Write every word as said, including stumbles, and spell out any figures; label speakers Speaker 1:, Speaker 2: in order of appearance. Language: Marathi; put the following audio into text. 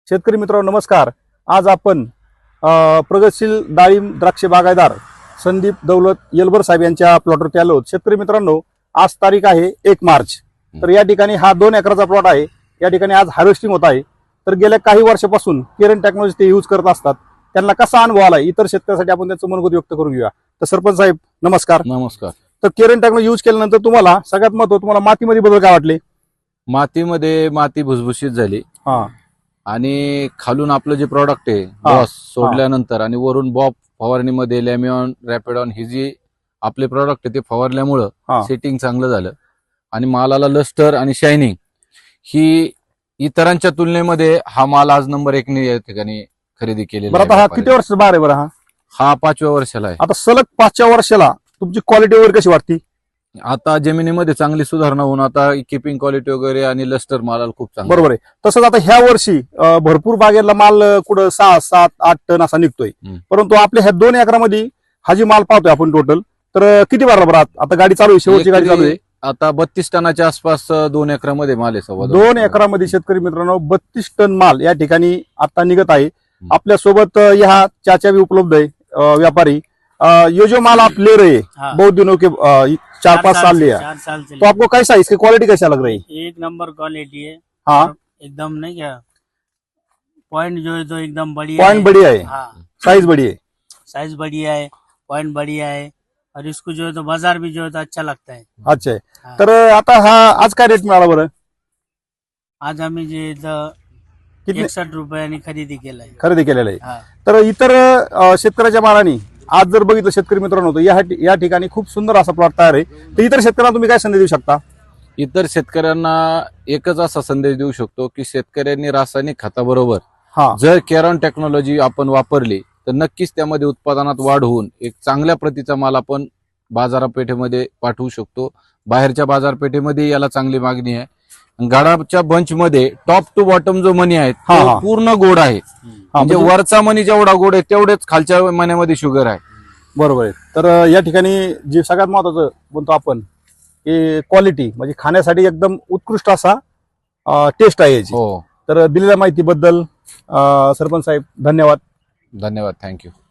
Speaker 1: शेतकरी मित्रांनो नमस्कार। आज आपण प्रगतशील डाळिंब द्राक्ष बागायतदार संदीप दौलत येलबर साहेब यांच्या प्लॉटवरती आलो आहोत। शेतकरी मित्रांनो आज तारीख आहे एक मार्च। तर या ठिकाणी हा दोन एकराचा प्लॉट आहे। या ठिकाणी आज हार्वेस्टिंग होत आहे। तर गेल्या काही वर्षापासून केरन टेक्नॉलॉजी ते यूज करत असतात। त्यांना कसा अनुभव आला इतर शेतकऱ्यांसाठी आपण त्यांचं मनोगत व्यक्त करून घेऊया। तर सरपंच साहेब नमस्कार।
Speaker 2: नमस्कार।
Speaker 1: तर केरन टेक्नॉलॉजी यूज केल्यानंतर तुम्हाला सगळ्यात महत्त्वाचं तुम्हाला मातीमध्ये बदल काय वाटले?
Speaker 2: मातीमध्ये माती भुसभुशीत झाली
Speaker 1: हा
Speaker 2: आणि खालून आपलं जे प्रॉडक्ट आहे बॉस सोडल्यानंतर आणि वरून बॉब फवारणीमध्ये लॅमिऑन रॅपिडॉन ही जी आपले प्रॉडक्ट आहे ते फवारल्यामुळं सेटिंग चांगलं झालं आणि मालाला लस्टर आणि शायनिंग ही इतरांच्या तुलनेमध्ये हा माल आज नंबर एक ने या ठिकाणी खरेदी केलेला आहे।
Speaker 1: बरं हा किती वर्ष बार आहे? बरं हा
Speaker 2: हा पाचव्या वर्षाला आहे।
Speaker 1: आता सलग पाचव्या वर्षाला तुमची क्वालिटी वगैरे कशी वाटते?
Speaker 2: आता जमिनीमध्ये चांगली सुधारणा होऊन आता किपिंग क्वालिटी वगैरे आणि लस्टर मालाला खूप चांगलं।
Speaker 1: बरोबर आहे। तसंच आता ह्या वर्षी भरपूर बागेला माल कुठं सहा सात आठ टन असा निघतोय, परंतु आपल्या ह्या दोन एकरामध्ये हा जी माल पाहतोय आपण टोटल तर किती बारा बरं आता गाडी चालू आहे, शेवटची गाडी चालू आहे।
Speaker 2: आता बत्तीस टनाच्या आसपास दोन एकरामध्ये माल आहे। सव्वा
Speaker 1: दोन एकरामध्ये शेतकरी मित्रांनो बत्तीस टन माल या ठिकाणी आता निघत आहे। आपल्या सोबत ह्या चाचा भी उपलब्ध आहे व्यापारी। ये जो माल आप ले रहे हैं बहुत दिनों के चार पाँच साल लिया, तो आपको कैसा इसकी क्वालिटी कैसा लग रही है?
Speaker 3: एक नंबर क्वालिटी है।
Speaker 1: हाँ
Speaker 3: एकदम नहीं क्या पॉइंट जो है तो एकदम बढ़िया
Speaker 1: पॉइंट बढ़िया है,
Speaker 3: हाँ
Speaker 1: साइज बढ़िया है,
Speaker 3: साइज बढ़िया है, पॉइंट बढ़िया है और इसको जो है तो बाजार भी जो है तो अच्छा लगता है।
Speaker 1: अच्छा है। तर आता हा आज काय रेट मिळाला बरं?
Speaker 3: आज आम्ही जे एकसठ रुपयांनी खरेदी केलाय
Speaker 1: खरेदी केलेला आहे।
Speaker 3: हा।
Speaker 1: तर इतर शेतकऱ्याच्या मालानी आज जर बघितलं शेतकरी मित्रांनो तर या या ठिकाणी खूप सुंदर असा प्लॉट तयार आहे। तर इतर शेतकऱ्यांना तुम्ही काय संदेश देऊ शकता?
Speaker 2: इतर शेतकऱ्यांना एकच असा संदेश देऊ शकतो की शेतकऱ्यांनी रासायनिक खताबरोबर जर केरॉन टेक्नॉलॉजी आपण वापरली तर नक्कीच त्यामध्ये उत्पादनात वाढ होऊन एक चांगल्या प्रतीचा माल आपण बाजारपेठेमध्ये पाठवू शकतो। बाहेरच्या बाजारपेठेमध्ये याला चांगली मागणी आहे। गाडाच्या बंच मध्ये टॉप टू बॉटम जो मनी आहे तो पूर्ण गोड आहे। म्हणजे वरचा मनी जेवढा गोड आहे तेवढेच खालच्या मण्यामध्ये शुगर आहे।
Speaker 1: बरोबर आहे। तर या ठिकाणी जे सगळ्यात महत्वाचं म्हणतो आपण की क्वालिटी म्हणजे खाण्यासाठी एकदम उत्कृष्ट असा टेस्ट आहे याची। तर दिलेल्या माहितीबद्दल सरपंच साहेब धन्यवाद।
Speaker 2: धन्यवाद, थँक्यू।